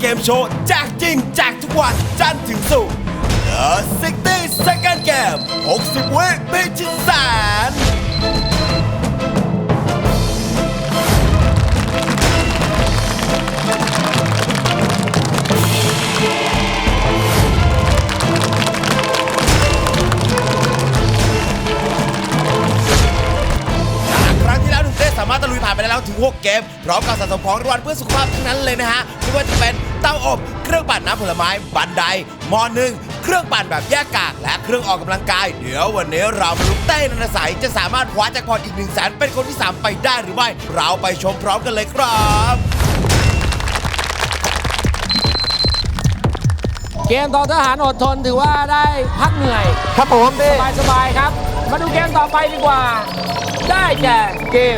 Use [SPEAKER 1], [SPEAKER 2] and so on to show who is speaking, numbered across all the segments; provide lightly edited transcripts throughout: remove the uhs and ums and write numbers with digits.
[SPEAKER 1] เกมโชว์แจกจริงแจกทุกวันจันทร์ถึงศุกร์ The 60 Second Game 60 วิพิชิตแสนสามารถตะลุยผ่านไปแล้วถึง 6 เกมพร้อมกับสะสมของรางวัลเพื่อสุขภาพทั้งนั้นเลยนะฮะไม่ว่าจะเป็นเตาอบเครื่องปั่นน้ำผลไม้บันไดหม้อนึ่งเครื่องปั่นแบบแยกกากและเครื่องออกกำลังกายเดี๋ยววันนี้เรามาลุ้นเต้นันทสัยจะสามารถคว้าแจ็คพอตอีก 100,000 เป็นคนที่ 3 ไปได้หรือไม่เราไปชมพร้อมกันเลยครับ
[SPEAKER 2] เกมต่อทหารอดทนถือว่าได้พักเหนื่อย
[SPEAKER 3] ครับผมพี่
[SPEAKER 2] สบายๆครับมาดูเกมต่อไปดีกว่าได้แก่เกม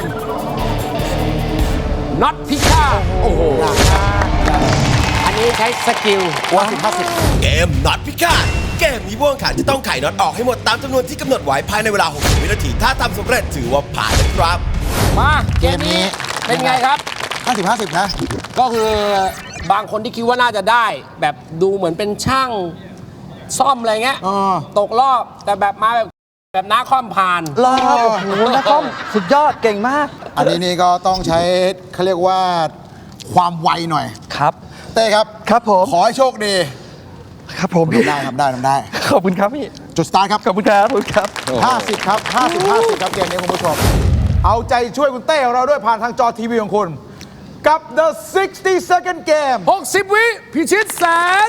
[SPEAKER 2] น็อตพิฆาตโอ้โหอันนี้ใช้สกิล
[SPEAKER 1] 50-50เกมน็อตพิฆาตเกมนี้ผู้แข่งขันจะต้องไขน็อตออกให้หมดตามจำนวนที่กำหนดไว้ภายในเวลา 60 วินาทีถ้าทำสำเร็จถือว่าผ่านนะครับ
[SPEAKER 2] มาเกมนี้เป็นไงครับ
[SPEAKER 3] 50-50นะ
[SPEAKER 2] ก็คือบางคนที่คิดว่าน่าจะได้แบบดูเหมือนเป็นช่างซ่อมอะไรเงี้ยตกรอบแต่แบบมาแบบน้าคอมผ่าน
[SPEAKER 3] รอครับโอ้โหน้าคอมสุดยอดเก่งมาก
[SPEAKER 4] อันนี้นี่ก็ต้องใช้เขาเรียกว่าความไวหน่อย
[SPEAKER 3] ครับ
[SPEAKER 4] เต้ครับ
[SPEAKER 3] ครับผม
[SPEAKER 4] ขอให้โชคดี
[SPEAKER 3] ครับผมพี่
[SPEAKER 4] ได้ครับได้
[SPEAKER 3] ขอบคุณครับพี่
[SPEAKER 4] จุดสตาร์ทครับ
[SPEAKER 3] ขอบคุณครับ
[SPEAKER 4] 50ครับ50ครับเกมนี้คุณผู้ชมเอาใจช่วยคุณเต้ของเราด้วยผ่านทางจอทีวีของคุณกับ The 60 Second Game
[SPEAKER 2] 60 วิพิชิตแสน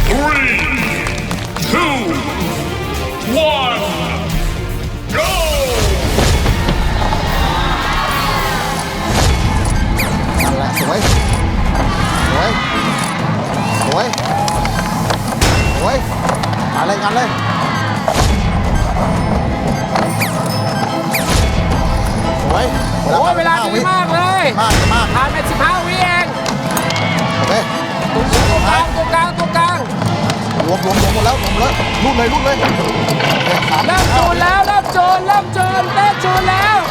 [SPEAKER 5] 3, 2, 1 Go!
[SPEAKER 4] นั่นแหละสวยมาเลยงานเลยสวย
[SPEAKER 2] โอ้เวลาดีมากเลย
[SPEAKER 4] มาก
[SPEAKER 2] ผ่านไป15 วิเอง
[SPEAKER 4] โอเค
[SPEAKER 2] ตัวกลาง
[SPEAKER 4] รวมหมดแล้วรูดเลย
[SPEAKER 2] เริ่มจูนแล้วเต้จูนแล้ว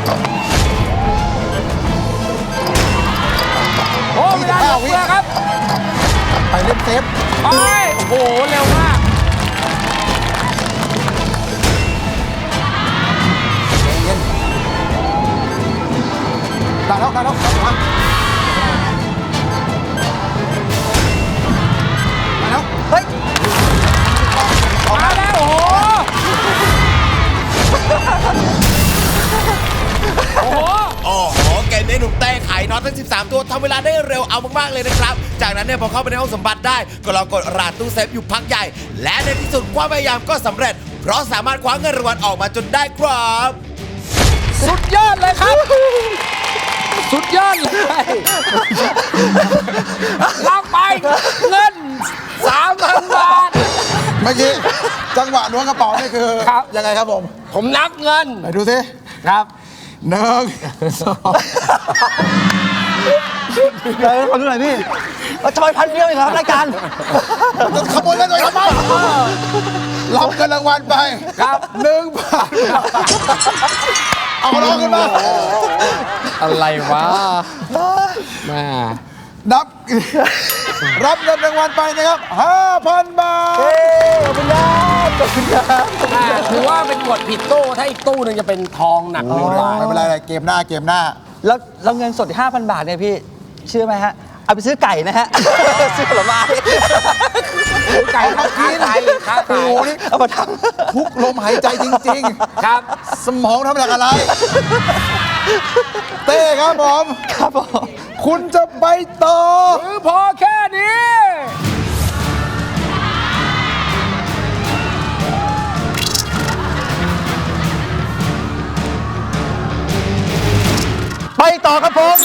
[SPEAKER 2] โอ้เวลาเหลือครับ
[SPEAKER 4] ไปเล่นเซฟ
[SPEAKER 2] โอ้โหเร็วมาก
[SPEAKER 4] เย็นได้แล้วมา
[SPEAKER 2] เฮ้ยมาแล้ว
[SPEAKER 1] โอ้โหเกมนี้หนุ่มเต้ไขน็อตทั้ง 13 ตัวทำเวลาได้เร็วเอามากๆเลยนะครับจากนั้นเนี่ยพอเข้าไปในห้องสมบัติได้ก็ลองกดรหัสตู้เซฟอยู่พักใหญ่และในที่สุดความพยายามก็สำเร็จเพราะสามารถคว้าเงินรางวัลออกมาจนได้ครับ
[SPEAKER 2] สุดยอดเลยครับสุดยอดเลยรับไปเงิน 3,000 บาท
[SPEAKER 4] เมื่อกี้จังหวะล้วงกระเป๋านี่คือยังไงครับ
[SPEAKER 2] ผมนับเงิน
[SPEAKER 4] ไหนดูสิ
[SPEAKER 2] ครับ
[SPEAKER 4] 1 2
[SPEAKER 3] ขอดูหน่อยพี่ทำไม1,000 เดียวเองครับรายการ
[SPEAKER 4] ขโมยเงินเลยทำไมรับเงินรางวัลไป
[SPEAKER 2] ครับ
[SPEAKER 4] 1 บาทเอาล้อขึ้นมา
[SPEAKER 2] อะไรวะมา
[SPEAKER 4] รับเงินรางวัลไปนะครับ 5,000 บาท
[SPEAKER 3] ขอบคุณครับ
[SPEAKER 2] ถือว่าเป็นกดผิดตู้ถ้าอีกตู้นึงจะเป็นทองหนัก
[SPEAKER 4] ไม่เป็นไรเกมหน้า
[SPEAKER 3] แล้วเงินสด 5,000 บาทเนี่ยพี่เชื่อไหมฮะเอาไปซื้อไก่นะฮะซื้อผลไม้
[SPEAKER 2] ไก่ค้าขาย
[SPEAKER 4] โอ้โหนี่
[SPEAKER 3] เอามาท
[SPEAKER 4] ำทุกลมหายใจจริง
[SPEAKER 2] ๆครับ
[SPEAKER 4] สมองทำจากอะไรเต้ครับผมคุณจะไปต่อ
[SPEAKER 2] หรือพอแค่นี้
[SPEAKER 3] ไปต่อครับผม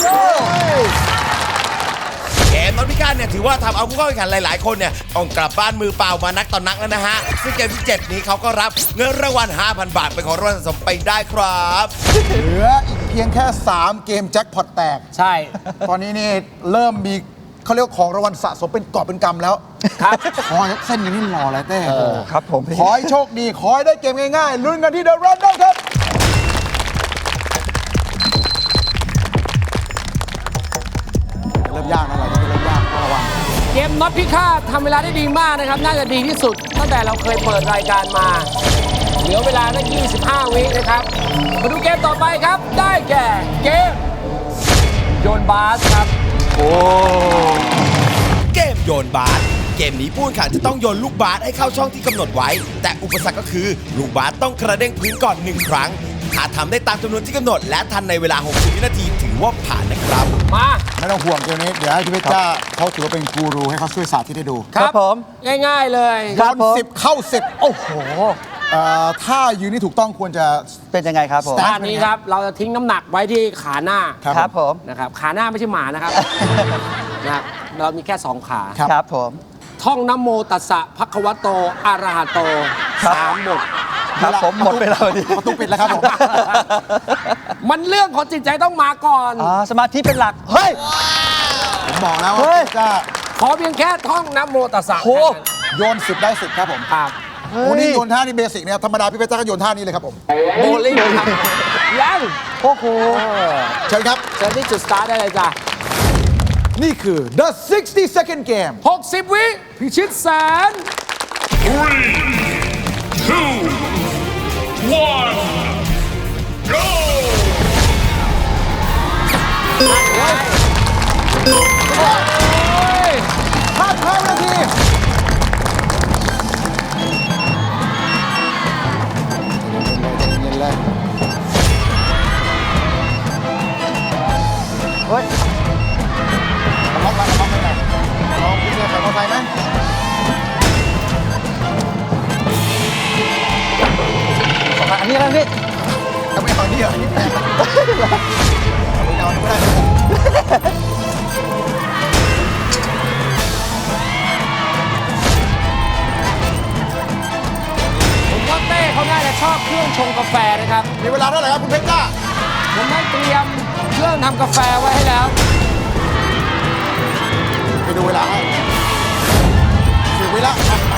[SPEAKER 1] เกมน็อตพิฆาตเนี่ยถือว่าทำเอาผู้เข้าแข่งขันหลายๆคนเนี่ยต้องกลับบ้านมือเปล่ามานักต่อนักแล้วนะฮะซึ่งเกมที่ 7 นี้เขาก็รับเงินรางวัล 5,000 บาทเป็นของรางวัลสะสมไปได้ครับ
[SPEAKER 4] เหลืออีกเพียงแค่3 เกมแจ็คพอตแตก
[SPEAKER 2] ใช่
[SPEAKER 4] ตอนนี้นี่เริ่มมีเขาเรียกของรางวัลสะสมเป็นกอบเป็นกำแล้ว
[SPEAKER 2] ครับ
[SPEAKER 4] ขอเส้นอย่างนี้หล่อเลยเต้
[SPEAKER 3] ครับผม
[SPEAKER 4] ขอให้โชคดีขอให้ได้เกมง่ายๆลุ้นกันที่ The Random ครับเริ่มยากนะเราจะเริ่มยากระวัง
[SPEAKER 2] เกดพิฆาตทำเวลาได้ดีมากนะครับ น่าจะดีที่สุดตั้งแต่เราเคยเปิดรายการมา เหลือเวลาตั้ง25 วินะครับ มาดูเกมต่อไปครับ ได้แก่เกมโยนบาสครับ
[SPEAKER 1] เกมโยนบาสเกมนี้ผู้แข่งขันจะต้องโยนลูกบาสให้เข้าช่องที่กำหนดไว้ แต่อุปสรรคก็คือลูกบาสต้องกระเด้งพื้นก่อน1 ครั้งถ้าทำได้ตามจำนวนที่กำหนด และทันในเวลา 60 วินาทีถือว่าผ่านนะครับ
[SPEAKER 2] มา
[SPEAKER 4] ไม่ต้องห่วงเกมนี้ เดี๋ยวให้พี่เพชรจ้าเขาถือว่าเป็นกูรูให้เขาช่วยสาธิตให้ดู
[SPEAKER 3] ครับผม
[SPEAKER 2] ง่ายๆเลย
[SPEAKER 3] ครับ
[SPEAKER 4] โยน10 เข้า 10 โอ้โหถ้ายืนนี่ถูกต้องควรจะ
[SPEAKER 3] เป็นยังไงครับผม
[SPEAKER 2] ด้านนี้ครับ เราจะทิ้งน้ำหนักไว้ที่ขาหน้า
[SPEAKER 3] ครับผม
[SPEAKER 2] นะครับ ขาหน้าไม่ใช่หมานะครับ นะครับ เรามีแค่ 2 ขา
[SPEAKER 4] ครับ
[SPEAKER 3] ครับผม
[SPEAKER 2] ท่องนะโมตัสสะภะคะวะโตอะระหะโต
[SPEAKER 3] ครับ
[SPEAKER 2] 3 บท
[SPEAKER 3] ครับผมหมดเวลาพอดี
[SPEAKER 4] ประตูปิดแล้วครับผม
[SPEAKER 2] มันเรื่องของจิตใจต้องมาก่อน
[SPEAKER 3] สมาธิเป็นหลัก เฮ้ย
[SPEAKER 4] ผมบอกแล้ว
[SPEAKER 3] เฮ้
[SPEAKER 4] ว่าย พี่เพชรจ้า
[SPEAKER 2] ขอเพียงแค่ท่องนะโมตัสสะ
[SPEAKER 3] โอ้
[SPEAKER 4] โยน 10 ได้ 10 ครับผม
[SPEAKER 2] ครับ
[SPEAKER 4] วันนี้โยนท่านี่เบสิกเนี่ยธรรมดาพี่เพชรจ้าก็โยนท่านี้เลยครับผม
[SPEAKER 2] โบลิ่งครับยัง
[SPEAKER 3] โอ้โห
[SPEAKER 4] เชิญครับ
[SPEAKER 2] เชิญที่จุดสตาร์ทได้เลยจ้ะ
[SPEAKER 4] นี่คือ the 60-second game
[SPEAKER 2] 60 วิพิชิตแสน
[SPEAKER 5] 3, 2, 1, go!
[SPEAKER 4] 5 นาทีเย็นๆเลย
[SPEAKER 3] เฮ้ย
[SPEAKER 4] ล็อกไปไหนลองพี่เนี่ยใส่มอเตอร์ไซค์ไหม
[SPEAKER 3] อันนี้อะไรพี่
[SPEAKER 4] จะไม่เอานี่เหรอนี่ไม่เอาไม่ได้
[SPEAKER 2] ผมว่าเต้เขาน่าจะชอบเครื่องชงกาแฟนะครับ
[SPEAKER 4] มีเวลาเท่าไหร่ครับคุณเพชรจ้า
[SPEAKER 2] ผมได้เตรียมเครื่องทำกาแฟไว้ให้แล้ว
[SPEAKER 4] ไปดูเวลาให้10 วิละ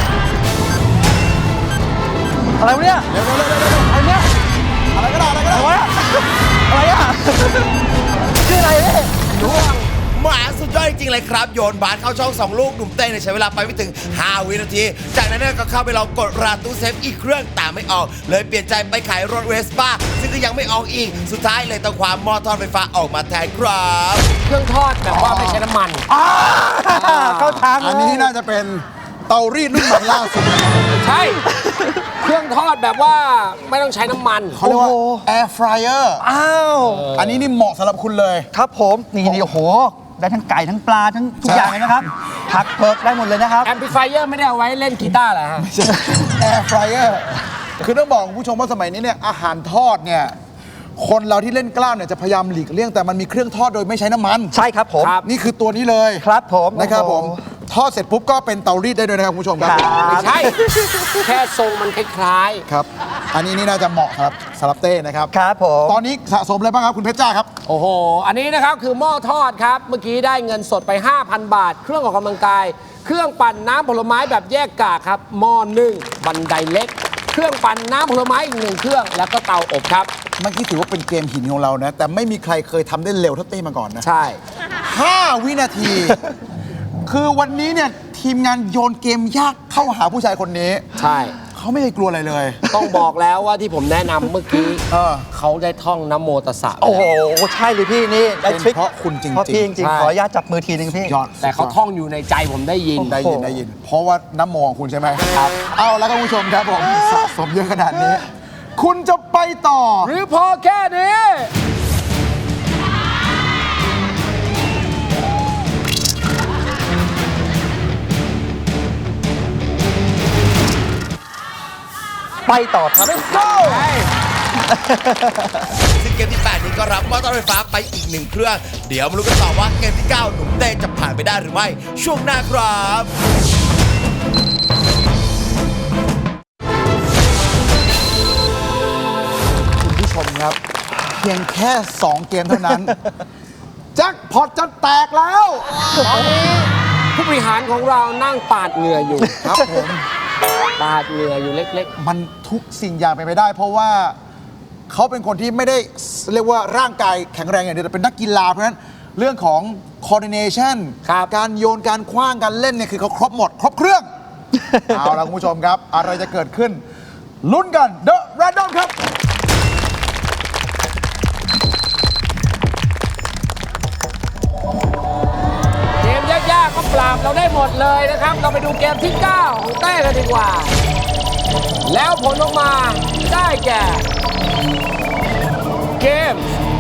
[SPEAKER 3] อะไรวะเนี่ย
[SPEAKER 4] เร็วๆๆๆ
[SPEAKER 3] อะไรเนี่ย
[SPEAKER 4] ๆอะไรก็ได้อะไรก็ได้
[SPEAKER 3] อะไรวะอะไรอ่ะชื่ออะไรเนี่ย
[SPEAKER 1] หมาสุดยอดจริงๆเลยครับ โยนบาสเข้าช่อง 2 ลูกหนุ่มเต้เนี่ยใช้เวลาไปไม่ถึง 5 วินาที จากนั้นเนี่ยก็เข้าไปลองกดรหัสตู้เซฟอีกเครื่องแต่ไม่ออก เลยเปลี่ยนใจไปขายรถเวสป้าซึ่งก็ยังไม่ออกอีก สุดท้ายเลยต้องความหม้อทอดไฟฟ้าออกมาแทนครับ
[SPEAKER 2] เครื่องทอดแบบว่าไม่ใช้น้ำมัน
[SPEAKER 3] เข้าทางเลย
[SPEAKER 4] อันนี้น่าจะเป็นเตารีดรุ่นใหม่ล่าสุด
[SPEAKER 2] ใช่ เครื่องทอดแบบว่าไม่ต้องใช้น้ำมัน
[SPEAKER 4] เขาเรียกว่า air fryer
[SPEAKER 3] อ้าว
[SPEAKER 4] อันนี้นี่เหมาะสำหรับคุณเลย
[SPEAKER 3] ครับผมนี่โอ้โห ได้ทั้งไก่ทั้งปลาทั้งทุกอย่างเลยนะครับ ผักเพิกได้หมดเลยนะครับ
[SPEAKER 2] แอมพลิฟายเออร์ไม่ได้เอาไว้เล่นกีตาร์เหรอฮะ
[SPEAKER 4] air fryer คือต้องบอกคุณผู้ชมว่าสมัยนี้เนี่ยอาหารทอดเนี่ยคนเราที่เล่นกล้ามเนี่ยจะพยายามหลีกเลี่ยงแต่มันมีเครื่องทอดโดยไม่ใช้น้ำมัน
[SPEAKER 3] ใช่ครับผม
[SPEAKER 2] ครับ
[SPEAKER 4] นี่คือตัวนี้เลย
[SPEAKER 3] ครับผม
[SPEAKER 4] นะครับผม
[SPEAKER 3] โอ้โห
[SPEAKER 4] ทอดเสร็จปุ๊บก็เป็นเตารีดได้ด้วยนะครับคุณผู้ชมครับ
[SPEAKER 2] ไม่ใช่ แค่ทรงมันคล้าย
[SPEAKER 4] ครับ อันนี้นี่น่าจะเหมาะครับสำหรับเต้นะครับ
[SPEAKER 3] ครับผม
[SPEAKER 4] ตอนนี้สะสมอะไรบ้างครับคุณเพชรจ้าครับ
[SPEAKER 2] ๆ โอ้โห อันนี้นะครับคือหม้อทอดครับ เมื่อกี้ได้เงินสดไป 5,000 บาท เครื่องออกกำลังกาย เครื่องปั่นน้ำผลไม้แบบแยกกากครับ หม้อนึ่งบันไดเล็ก เครื่องปั่นน้ำผลไม้อีก1เครื่อง แล้วก็เตาอบครับ
[SPEAKER 4] เมื่อกี้ถือว่าเป็นเกมหินของเรานะ แต่ไม่มีใครเคยทำได้เร็วเท่าเต้มาก่อนนะ
[SPEAKER 2] ใช่
[SPEAKER 4] 5 วินาที คือวันนี้เนี่ยทีมงานโยนเกมยากเข้าหาผู้ชายคนนี้
[SPEAKER 2] ใช่
[SPEAKER 4] เขาไม่เคยกลัวอะไรเลย
[SPEAKER 2] ต้องบอกแล้วว่าที่ผมแนะนำเมื่อกี้
[SPEAKER 4] เออ
[SPEAKER 2] เขาได้ท่องนะโมตัสสะ
[SPEAKER 3] โอ้โห ใช่เลยพี่นี่ได้ทริค
[SPEAKER 4] เป็นเพราะคุณจริงๆ
[SPEAKER 3] เพราะพี่จริง
[SPEAKER 2] ใช่
[SPEAKER 3] ๆ ขออนุญาตจับมือทีนึงพี่
[SPEAKER 4] ยอด
[SPEAKER 2] แต่เขาท่องอยู่ในใจผมได้ยิน
[SPEAKER 4] ได้ยินได้ยิน เพราะว่าน้ำโมของคุณใช่ไหมครับ เอาแล้วก็คุณผู้ชมครับผมสะสมเยอะขนาดนี้ คุณจะไปต่อ
[SPEAKER 2] หรือพอแค่นี้
[SPEAKER 3] ไปต่อครับ
[SPEAKER 2] Let's go
[SPEAKER 1] ซึ่งเกมที่ 8 นี้ก็รับหม้อทอดไฟฟ้าไปอีก 1 เครื่อง เดี๋ยวมาลุ้นกันต่อว่าเกมที่ 9 หนุ่มเต้จะผ่านไปได้หรือไม่ ช่วงหน้าครับ
[SPEAKER 4] คุณผู้ชมครับ เพียงแค่ 2 เกมเท่านั้น แจ็คพอตจะแตกแล้ว
[SPEAKER 2] ตอนนี้ผู้บริหารของเรานั่งปาดเหงื่ออยู่
[SPEAKER 4] ครับผม
[SPEAKER 2] ปาดเหงื่ออยู่เล็ก
[SPEAKER 4] มันทุกสิ่งอย่างเป็นไปได้ เพราะว่าเขาเป็นคนที่ไม่ได้เรียกว่าร่างกายแข็งแรงอย่างเดียวแต่เป็นนักกีฬาเพราะฉะนั้นเรื่องของ coordination
[SPEAKER 2] ครับ
[SPEAKER 4] การโยนการคว้างการเล่นเนี่ยคือเขาครบหมด ครบเครื่อง เอาละคุณผู้ชมครับ อะไรจะเกิดขึ้น ลุ้นกัน The Random ครับ
[SPEAKER 2] เกมยากๆก็ปราบเราได้หมดเลยนะครับ เราไปดูเกมที่ 9 ของเต้กันดีกว่า แล้วผลออกมาได้แก่ เกม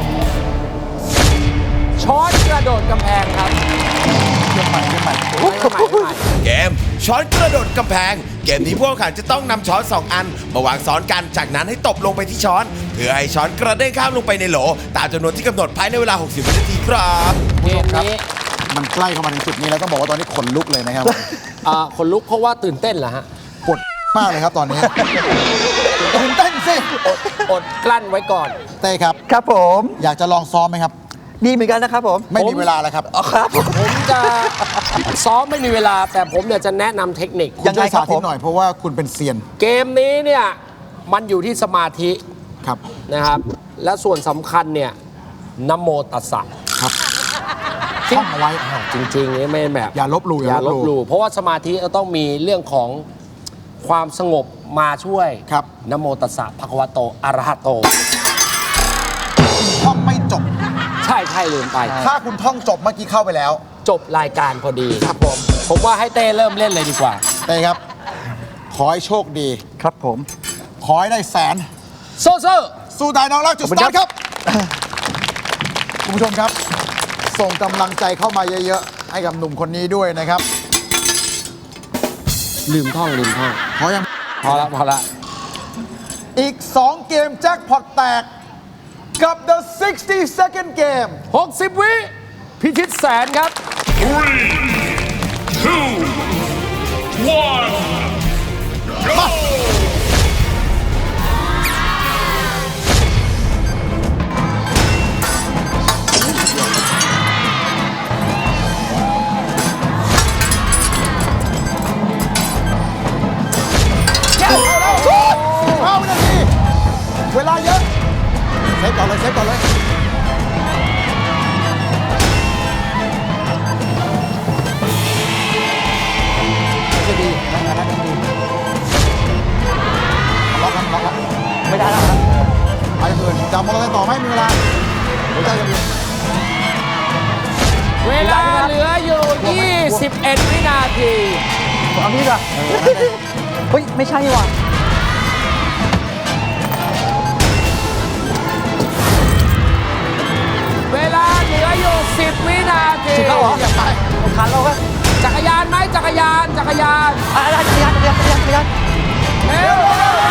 [SPEAKER 2] ช้อนกระโดดกำแพงครับ
[SPEAKER 4] เกมใหม่
[SPEAKER 1] เกมช้อนกระโดดกำแพง เกมนี้พวกเขาจะต้องนำช้อน 2 อัน มาวางซ้อนกัน จากนั้นให้ตบลงไปที่ช้อน เพื่อให้ช้อนกระเด้งข้ามลงไปในโหล ตามจำนวนที่กำหนดภายในเวลา 60 วินาทีครับ
[SPEAKER 2] เกมนี้
[SPEAKER 4] มันใกล้เข้ามาถึงจุดนี้แล้วต้องบอกว่าตอนนี้ขนลุกเลยนะครับ
[SPEAKER 2] คนลุกเพราะว่าตื่นเต้นเหรอฮะ
[SPEAKER 4] ปวดมากเลยครับตอนนี้ ตื่นเต้นสิ
[SPEAKER 2] อดกลั้นไว้ก่อน
[SPEAKER 4] เต้ครับ
[SPEAKER 3] ครับผม
[SPEAKER 4] อยากจะลองซ้อมไหมครับ
[SPEAKER 3] ดีเหมือนกันนะครับผม
[SPEAKER 4] ไม่มีเวลาแล้วครับ
[SPEAKER 3] อ๋อครับ
[SPEAKER 2] ผมจะซ้อมไม่มีเวลา แต่ผมเนี่ยจะแนะนำเทคนิค
[SPEAKER 3] ยังไง
[SPEAKER 4] ช่วย
[SPEAKER 3] ครั
[SPEAKER 4] สา
[SPEAKER 3] บ
[SPEAKER 4] ธิ
[SPEAKER 3] ผ
[SPEAKER 4] ต
[SPEAKER 3] ม
[SPEAKER 4] หน่อยเพราะว่าคุณเป็นเซียน
[SPEAKER 2] เกมนี้เนี่ยมันอยู่ที่สมาธิ
[SPEAKER 4] ครับ
[SPEAKER 2] นะครับ และส่วนสำคัญเนี่ยนะโมตัสสะ
[SPEAKER 4] ท่องเอาไว้
[SPEAKER 2] จริงๆนี่ไม่แบบ
[SPEAKER 4] อย่าลบหลู่
[SPEAKER 2] อย่าลบหลู่เพราะว่าสมาธิก็ต้องมีเรื่องของความสงบมาช่วย
[SPEAKER 4] ครับ
[SPEAKER 2] นะโมตัสสะภะคะวะโตอะระหะโต
[SPEAKER 4] ท่องไม่จบ
[SPEAKER 2] ใช่ใช่ลืมไป
[SPEAKER 4] ถ้าคุณท่องจบเมื่อกี้เข้าไปแล้ว
[SPEAKER 2] จบรายการพอดีครับผมว่าให้เต้เริ่มเล่นเลยดีกว่า
[SPEAKER 4] เต้ครับ ขอให้โชคดี
[SPEAKER 3] ครับผม
[SPEAKER 4] ขอให้ได้แสน
[SPEAKER 2] โซเซอร์
[SPEAKER 4] สู้ตายน้องรักจุดสตาร์ทครับ คุณผู้ชมครับ ส่งกำลังใจเข้ามาเยอะๆ ให้กับหนุ่มคนนี้ด้วยนะครับ
[SPEAKER 2] ลืมท่อง
[SPEAKER 4] ขอยัง
[SPEAKER 2] พอละ
[SPEAKER 4] อีก 2 เกมแจ็คพอตแตก กับ The 60-second Game
[SPEAKER 2] 60 วิพิชิตแสนครับ
[SPEAKER 5] 3, 2, 1, go!
[SPEAKER 4] 5 วินาที เวลาเยอะ เซฟก่อนเลย เซฟก่อนเลย จะดีนะดีล็อกครับล็อกครับ
[SPEAKER 3] ไม่ได้แล้วครับ
[SPEAKER 4] ไปอย่างอื่นจับมอเตอร์ไซค์ต่อไม่มีเวลาหัวใจจะมี
[SPEAKER 2] เวลาเหลืออยู่ 21 วินาที
[SPEAKER 3] ผมเอาพี่ก่อนเฮ้ย ไม่ใช่นี่หว่า
[SPEAKER 2] เวลาเหลืออยู่ 10 วินาที
[SPEAKER 3] 10แล้วเหรอ
[SPEAKER 4] อย่าไป
[SPEAKER 3] ผมทันแล้วครับ
[SPEAKER 2] จักรยานไหมจักรยาน
[SPEAKER 3] จักรยาน
[SPEAKER 2] เร็ว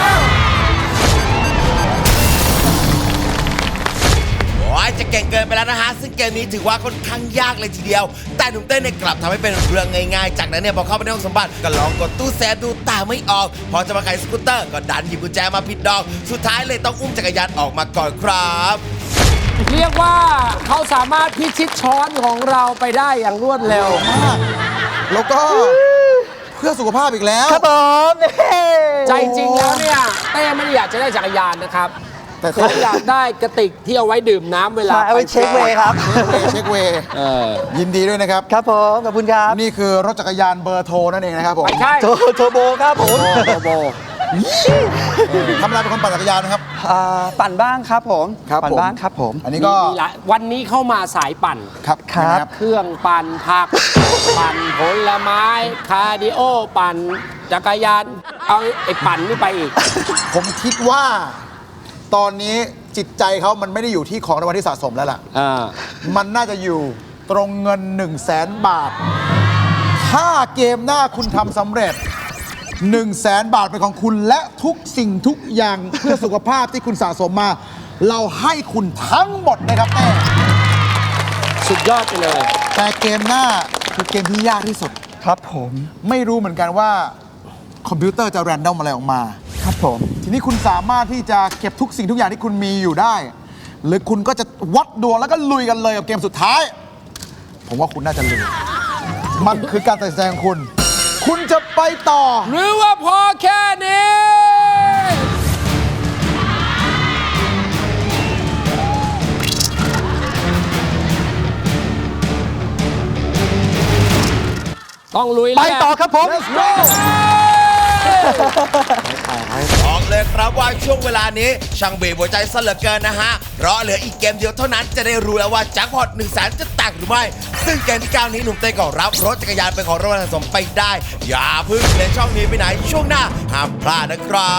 [SPEAKER 1] โอ้ยจะเก่งเกินไปแล้วนะฮะ ซึ่งเกมนี้ถือว่าค่อนข้างยากเลยทีเดียว แต่หนุ่มเต้นเนี่ยกลับทำให้เป็นเรื่องง่ายๆ จากนั้นเนี่ยพอเข้าไปในห้องสมบัติก็ลองกดตู้แซฟดูแต่ไม่ออก พอจะมาไขสกูตเตอร์ก็ดันหยิบกุญแจมาผิดดอก สุดท้ายเลยต้องอุ้มจักรยานออกมาก่อนครับ
[SPEAKER 2] เรียกว่าเขาสามารถพิชิตช้อนของเราไปได้อย่างรวดเร็ว
[SPEAKER 4] มาก แล้วก็เพื่อสุขภาพอีกแล้ว
[SPEAKER 3] ครับผมเฮ้
[SPEAKER 2] ใจจริงแล้วเนี่ยเต้ไม่ได้อยากจะได้จักรยานนะครับ
[SPEAKER 4] แต่
[SPEAKER 2] เขาอยากได้กระติกที่เอาไว้ดื่มน้ำเวลา
[SPEAKER 3] ใช่เอาไปเช็คเวย์ครับ
[SPEAKER 4] เช็คเวย์ยินดีด้วยนะครับ
[SPEAKER 3] ครับผม ขอบคุณครับ
[SPEAKER 4] นี่คือรถจักรยานเบอร์โทรนั่นเองนะครับผม
[SPEAKER 2] ไม่ใช่
[SPEAKER 3] โทรโบครับผม
[SPEAKER 2] โบ
[SPEAKER 4] ทำอะไรเป็นคนปั่นจักรยานนะครับ
[SPEAKER 3] ปั่นบ้างครับผม
[SPEAKER 4] ครับ
[SPEAKER 3] ปั่น
[SPEAKER 4] ผม
[SPEAKER 3] บ้างครับผม
[SPEAKER 4] อันนี้ก็
[SPEAKER 2] มีหลายวันนี้เข้ามาสายปั่น
[SPEAKER 4] ครับ
[SPEAKER 3] ครับ
[SPEAKER 4] นะ
[SPEAKER 2] เครื่องปั่นผัก ปั่นผลไม้ คาร์ดิโอ ปั่นจักรยาน เอาไอ้ปั่นนี่ไปอีก
[SPEAKER 4] ผมคิดว่าตอนนี้จิตใจเขามันไม่ได้อยู่ที่ของรางวัลที่สะสมแล้วล่ะ มันน่าจะอยู่ตรงเงิน 100,000 บาท ถ้าเกมหน้าคุณทำสำเร็จ 100,000 บาทเป็นของคุณและทุกสิ่งทุกอย่าง เพื่อสุขภาพที่คุณสะสมมา เราให้คุณทั้งหมดนะครับเต้
[SPEAKER 2] สุดยอดไปเลย
[SPEAKER 4] แต่เกมหน้าคือเกมที่ยากที่สุด
[SPEAKER 3] ครับผม
[SPEAKER 4] ไม่รู้เหมือนกันว่าคอมพิวเตอร์จะแรนดอมอะไรออกมา
[SPEAKER 3] ครับผม
[SPEAKER 4] ทีนี้คุณสามารถที่จะเก็บทุกสิ่งทุกอย่างที่คุณมีอยู่ได้ หรือคุณก็จะวัดดวงแล้วก็ลุยกันเลยกับเกมสุดท้าย ผมว่าคุณน่าจะลุย มันคือการตัดสินใจของคุณ คุณจะไปต่อ
[SPEAKER 2] หรือว่าพอแค่นี้
[SPEAKER 4] พ
[SPEAKER 2] ต้องลุย
[SPEAKER 3] ไปต่อครับผม
[SPEAKER 2] Let's go
[SPEAKER 1] บอกเลยครับว่าช่วงเวลานี้ช่างเบรกหัวใจซะเหลือเกินนะฮะ เพราะเหลืออีกเกมเดียวเท่านั้นจะได้รู้แล้วว่าแจ็คพอต1 0 0 0 0 0จะแตกหรือไม่ ซึ่งเกมที่ 9 นี้หนุ่มเต้ก็รับรถจักรยานเป็นของรางวัลสะสมไปได้ อย่าเพิ่งเลยช่องนี้ไปไหนช่วงหน้าห้ามพลาดนะครับ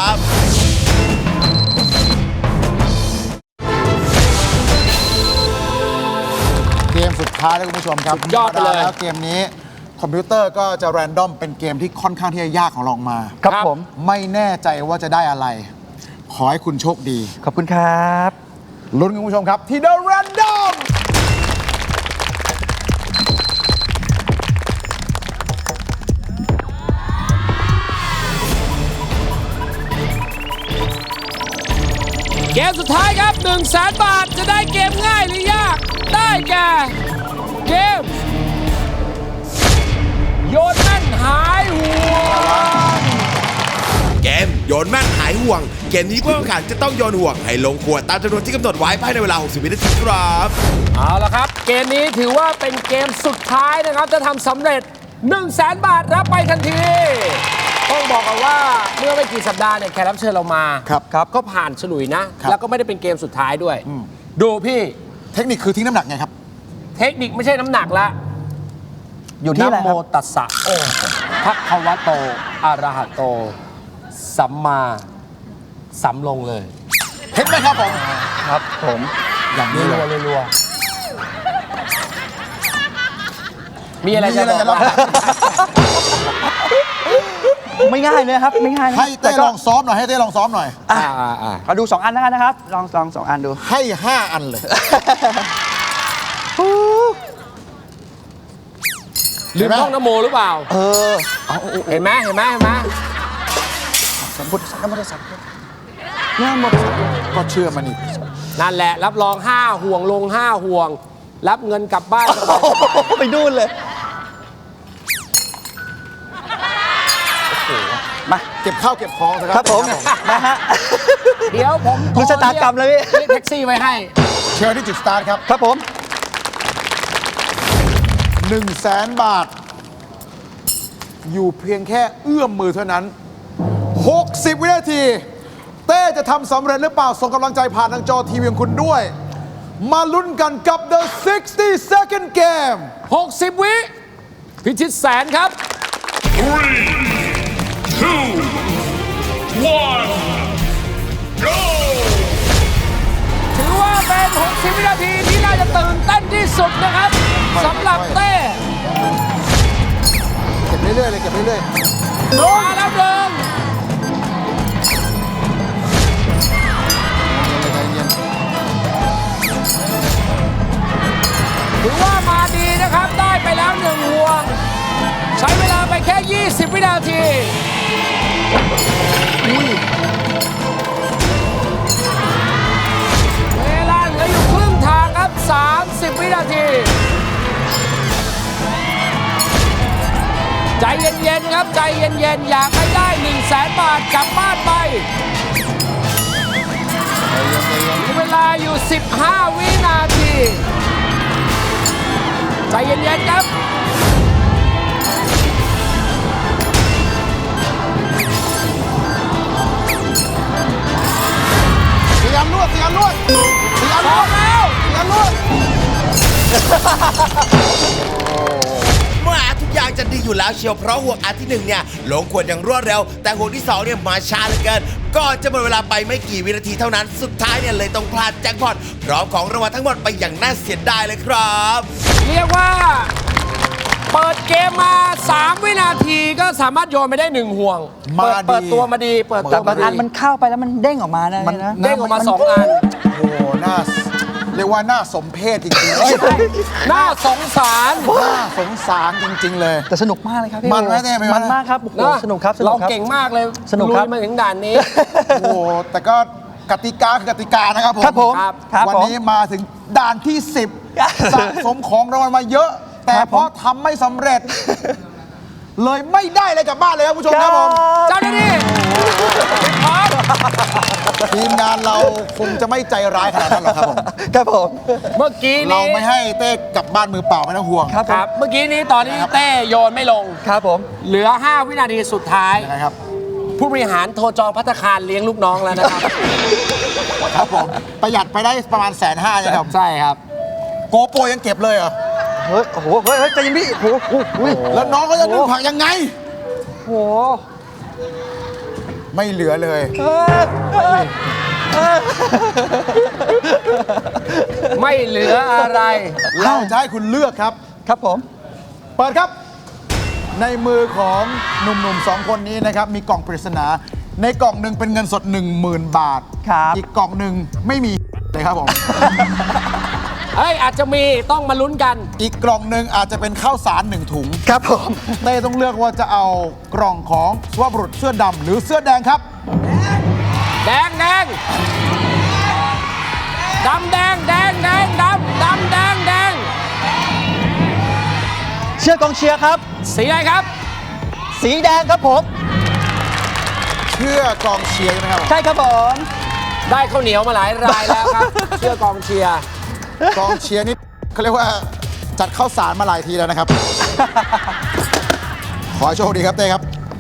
[SPEAKER 4] เกมสุดท้ายแล้วคุณผู้ชมครับ
[SPEAKER 2] สุดยอดไปเลย
[SPEAKER 4] แล้วเกมนี้คอมพิวเตอร์ก็จะแรนดอมเป็นเกมที่ค่อนข้างที่จะยากของเราออกมา
[SPEAKER 3] ครับผม
[SPEAKER 4] ไม่แน่ใจว่าจะได้อะไร ขอให้คุณโชคดี
[SPEAKER 3] ขอบคุณครับ
[SPEAKER 4] ลุ้นคุณผู้ชมครับที่ The Random
[SPEAKER 2] เกมสุดท้ายครับ 1 0 0 0 0 0 บาทจะได้เกมง่ายหรือยาก ได้แก่เกมโยนแม่นหายหัว
[SPEAKER 1] เกมโยนแม่นหายห่วง เกมนี้ผู้แข่งขันจะต้องโยนห่วงให้ลงขวดตามจำนวนที่กำหนดไว้ภายในเวลา 60 วินาทีครับ
[SPEAKER 2] เอาละครับ เกมนี้ถือว่าเป็นเกมสุดท้ายนะครับ จะทำสำเร็จ 1 0 0 0 0 0 บาทรับไปทันที ต้องบอกกันว่าเมื่อไม่กี่สัปดาห์เนี่ยแขกรับเชิญเรามา
[SPEAKER 4] ครับ
[SPEAKER 2] ก็ผ่านฉลุยนะ
[SPEAKER 4] ครับ
[SPEAKER 2] แล้วก็ไม่ได้เป็นเกมสุดท้ายด้วย ดูพี่
[SPEAKER 4] เทคนิคคือทิ้งน้ำหนักไงครับ
[SPEAKER 2] เทคนิคไม่ใช่น้ำหนักละ
[SPEAKER 3] อยู่ที่อะไร
[SPEAKER 2] นะโม
[SPEAKER 3] ครับ
[SPEAKER 2] ตัสสะพระคะวะโตอะระหะโต สัมมาสัมลงเลย
[SPEAKER 4] เห็นไหมครับผม
[SPEAKER 3] ครับผม
[SPEAKER 4] อย่างนี้เลย
[SPEAKER 2] รัวมีอะไรจะบอกว่า
[SPEAKER 3] ไม่ง่ายเลยครับ ไม่ง่ายนะ
[SPEAKER 4] ให้
[SPEAKER 3] แต่
[SPEAKER 4] เต้
[SPEAKER 3] ก็
[SPEAKER 4] ลองซ้อมหน่อย ให้เต้ลองซ้อมหน่อย
[SPEAKER 3] อ่ะเอาดู 2 อันแล้วกันนะครับ ลอง2 อันดู
[SPEAKER 4] ให้ 5 อันเลย
[SPEAKER 2] ลืมท่องนโมหรือเปล่า
[SPEAKER 3] เออ
[SPEAKER 2] เห็นไหมเห็นไหมเห็นไหม
[SPEAKER 4] สัมพุทธสัมพุทธสัมพุทธเนี่ยหมดก็เชื่อมันอีก
[SPEAKER 2] นั่นแหละ รับรอง 5 ห่วงลง 5 ห่วง รับเงินกลับบ้านสบาย
[SPEAKER 3] ไปดูนเลย มา
[SPEAKER 4] เก็บข้าวเก็บของนะค
[SPEAKER 3] ค
[SPEAKER 4] รั
[SPEAKER 3] รับผม นะฮะ
[SPEAKER 2] ๆเดี๋ยวผม
[SPEAKER 3] ดูชะตากรรมเลยพี่
[SPEAKER 2] เรียกแท็กซี่ไว้ให้
[SPEAKER 4] เชิญที่จุดสตาร์ทครับ
[SPEAKER 3] ครับผม
[SPEAKER 4] 100,000 บาท อยู่เพียงแค่เอื้อมมือเท่านั้น 60 วินาที เต้จะทำสำเร็จหรือเปล่า ส่งกำลังใจผ่านทางจอทีวีของคุณด้วย มาลุ้นกันกับ The 60 Second Game
[SPEAKER 2] 60 วิพิชิตแสนครับ
[SPEAKER 5] 3, 2, 1, go!
[SPEAKER 2] ถือว่าเป็น 60 วินาทีที่น่าจะตื่นเต้นที่สุดนะครับสำหรับเต้
[SPEAKER 4] เก็บเรื่อยๆเลยเก็บเรื่อย
[SPEAKER 2] มาแล้วเดิม
[SPEAKER 4] ๆใจเย็น
[SPEAKER 2] ถือว่ามาดีนะครับ ได้ไปแล้ว1ห่วง ใช้เวลาไปแค่ 20 วินาที เวลาเหลืออยู่ครึ่งทางครับ 30 วินาที ใจเย็นๆครับ ใจเย็นๆ อยากให้ได้ 1 0 0 0 0 0 บาทกลับบ้านไป มีเวลาอยู่ 15 วินาที ใจเย็นๆครับ
[SPEAKER 4] เสียงนวดเสียงนวดเสียงน
[SPEAKER 2] พร้อ
[SPEAKER 4] ว
[SPEAKER 2] ม
[SPEAKER 4] ด
[SPEAKER 2] แล้ว
[SPEAKER 4] เสียงนวด
[SPEAKER 1] เมื่อทุกอย่างจะดีอยู่แล้วเชียวเพราะห่วงอันที่ 1 เนี่ยลงขวดอย่างรวดเร็ว แต่ห่วงที่ 2 เนี่ยมาช้าเหลือเกินก่อนจะหมดเวลาไปไม่กี่วินาทีเท่านั้นสุดท้ายเนี่ยเลยต้องพลาดแจ็คพอตพร้อมของรางวัลทั้งหมดไปอย่างน่าเสียดายเลยครับ
[SPEAKER 2] เรียกว่า เปิดเกมมา 3 วินาทีก็สามารถโยนไปได้ 1 ห่วง
[SPEAKER 4] มาดี
[SPEAKER 2] เปิดตัวมาดี เปิดตั
[SPEAKER 3] แต่
[SPEAKER 2] ว
[SPEAKER 3] บาม
[SPEAKER 2] าง ดี
[SPEAKER 3] อันมันเข้าไปแล้วมันเด้งออกมานะ
[SPEAKER 4] มัน
[SPEAKER 3] นะ
[SPEAKER 2] เด้งออกมา 2 อัน
[SPEAKER 4] โอ้โหน่าเรียกว่าน่าสมเพชจริงๆ
[SPEAKER 2] น่าสงสาร
[SPEAKER 4] น่าสงสารจริง ๆ เลย
[SPEAKER 3] แต่สนุกมากเลยครับพี่
[SPEAKER 4] มันไหมเต้เป็นไง
[SPEAKER 3] มันมากครับโอ้โห
[SPEAKER 2] นะ
[SPEAKER 3] สนุกครับสนุ
[SPEAKER 2] เรา
[SPEAKER 3] กครับ
[SPEAKER 2] เก่งมากเลย
[SPEAKER 3] สนุกครับ
[SPEAKER 2] ลุยมาถึงด่านนี้
[SPEAKER 4] โอ้โหแต่ก็กติกาคือกติกานะครับผม
[SPEAKER 3] ครับผม
[SPEAKER 2] ครับ
[SPEAKER 3] ครับ
[SPEAKER 4] วัน
[SPEAKER 3] ผม
[SPEAKER 4] นี้มาถึงด่านที่ 10 สะสมของรางวัลมาเยอะ แต่
[SPEAKER 3] ครับ
[SPEAKER 4] เพราะทำไม่สำเร็จ เลยไม่ได้อะไรกลับบ้านเลยครับผู้ชมครับผม
[SPEAKER 2] เจ้าหน้าที่พร้อม
[SPEAKER 4] ทีมงานเราคงจะไม่ใจร้ายขนาดนั้นหรอกครับผม
[SPEAKER 3] ครับผม
[SPEAKER 2] เมื่อกี้
[SPEAKER 4] เรา
[SPEAKER 2] นี้
[SPEAKER 4] ไม่ให้เต้กลับบ้านมือเปล่าไม่ต้องห่วง
[SPEAKER 3] ครับ
[SPEAKER 2] ครับ เมื่อกี้นี้ตอนที่เต้โยนไม่ลง
[SPEAKER 3] ครับผม
[SPEAKER 2] เหลือ 5 วินาทีสุดท้าย
[SPEAKER 4] นะครับ
[SPEAKER 2] ผู้บริหารโทรจองภัตตาคารเลี้ยงลูกน้องแล้วนะครับ
[SPEAKER 4] ครับผมประหยัดไปได้ประมาณ150,000นะครับ
[SPEAKER 2] ใช่ครับ
[SPEAKER 4] โกโปรยังเก็บเลยเหรอ
[SPEAKER 3] เฮ้ยโอ้โหเฮ้ยใจเย็นพี่โอ้โหอุ้ย
[SPEAKER 4] แล้วน้องเขาจะนึ่งผักยังไง
[SPEAKER 3] โอ้โห
[SPEAKER 4] ไม่เหลือเลย
[SPEAKER 2] ไม่เหลืออะไร
[SPEAKER 4] เราจะให้คุณเลือกครับ
[SPEAKER 3] ครับผม
[SPEAKER 4] เปิดครับ ในมือของหนุ่มๆ 2 คนนี้นะครับ มีกล่องปริศนา ในกล่องหนึ่งเป็นเงินสด 10,000 บาท
[SPEAKER 3] ครับ
[SPEAKER 4] อีกกล่องหนึ่งไม่มีเลยครับผม
[SPEAKER 2] เฮ้ย อาจจะมีต้องมาลุ้นกัน
[SPEAKER 4] อีกกล่องหนึ่งอาจจะเป็นข้าวสาร1 ถุง
[SPEAKER 3] ครับผม
[SPEAKER 4] เต้ต้องเลือกว่าจะเอากล่องของสุภาพบุรุษเสื้อดำหรือเสื้อแดงครับ
[SPEAKER 2] แดงแดงดำแดงแดงแดงดำดำแดงแดง
[SPEAKER 3] เชียร์กองเชียร์ครับ
[SPEAKER 2] สีอะไรครับ
[SPEAKER 3] สีแดงครับผม
[SPEAKER 4] เชื่อกองเชียร์ใช่ไหมครับ
[SPEAKER 3] ใช่ครับผม
[SPEAKER 2] ได้ข้าวเหนียวมาหลายรายแล้วครับ เชื่อกองเชียร์
[SPEAKER 4] กองเชียร์นี่เขาเรียกว่าจัดข้าวสารมาหลายทีแล้วนะครับ ขอให้โชคดีครับเต้ครับ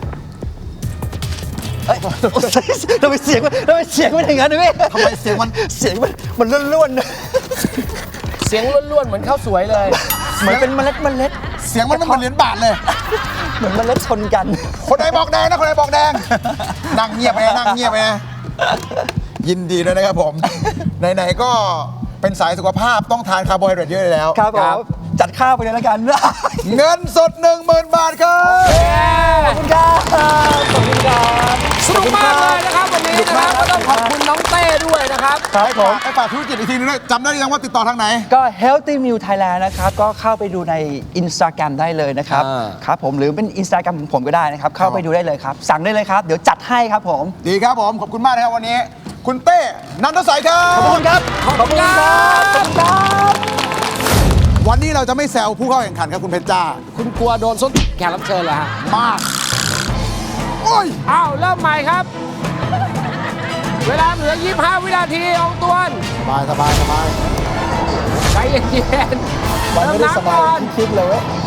[SPEAKER 3] เอ้ยทำไมเสียงมันอย่างนั้นนะพี่
[SPEAKER 4] ทำไมเสียงมัน
[SPEAKER 3] เสียงมันล้วนๆนะ
[SPEAKER 2] เสียงล้วนๆเหมือนข้าวสวยเลย
[SPEAKER 3] เหมือนเป็นเมล็ด
[SPEAKER 4] เสียงมันไม่เหมือนเหรียญบาทเลย
[SPEAKER 3] เหมือนเมล็ดชนกัน
[SPEAKER 4] คนไหนบอกแดงนะคนไหนบอกแดง นั่งเงียบไปนะนั่งเงียบไปนะยินดีด้วยนะครับผม ไหนๆก็เป็นสายสุขภาพต้องทานคาร์โบไฮเดรตเยอะเลยแล้ว
[SPEAKER 3] ครับผมจัดข้าวไปเลยแล้วกัน
[SPEAKER 4] เงินสด 10,000 บาทครับ
[SPEAKER 3] ขอบคุณครับขอบคุณครับ
[SPEAKER 2] สนุกมากเลยนะครับวันนี้นะครับก็ต้องขอบคุณน้องเต้ด้วยนะครับ
[SPEAKER 3] ครับผม
[SPEAKER 4] ไอ้ฝากธุรกิจอีกทีนึงด้วยจำได้หรือยังว่าติดต่อทางไหน
[SPEAKER 3] ก็ Healthy Meal Thailand นะครับ ก็เข้าไปดูใน Instagram ได้เลยนะครับ ครับผมหรือเป็น Instagram ของผมก็ได้นะครับ เข้าไปดูได้เลยครับ สั่งได้เลยครับ เดี๋ยวจัดให้ครับผม
[SPEAKER 4] ดีครับผม ขอบคุณมากนะครับวันนี้ คุณเต้นันทสัยครับ
[SPEAKER 3] ขอบคุณครับ
[SPEAKER 2] ขอบคุณครับ
[SPEAKER 3] ขอบคุณครับ
[SPEAKER 4] วันนี้เราจะไม่แซวผู้เข้าแข่งขันครับคุณเพชรจ้า
[SPEAKER 2] คุณกลัวโดนส้นแขกรับเชิญเหรอฮะ
[SPEAKER 4] มาก โอ้ย
[SPEAKER 2] อ้าวเริ่มใหม่ครับ เวลาเหลือ 25 วินาทีอองตวน
[SPEAKER 4] สบายสบายสบาย
[SPEAKER 2] ใจเย็นๆ
[SPEAKER 4] มันไม่ได้สบาย
[SPEAKER 2] เริ่นับก่อน
[SPEAKER 4] ที่คิดเลยเว้ย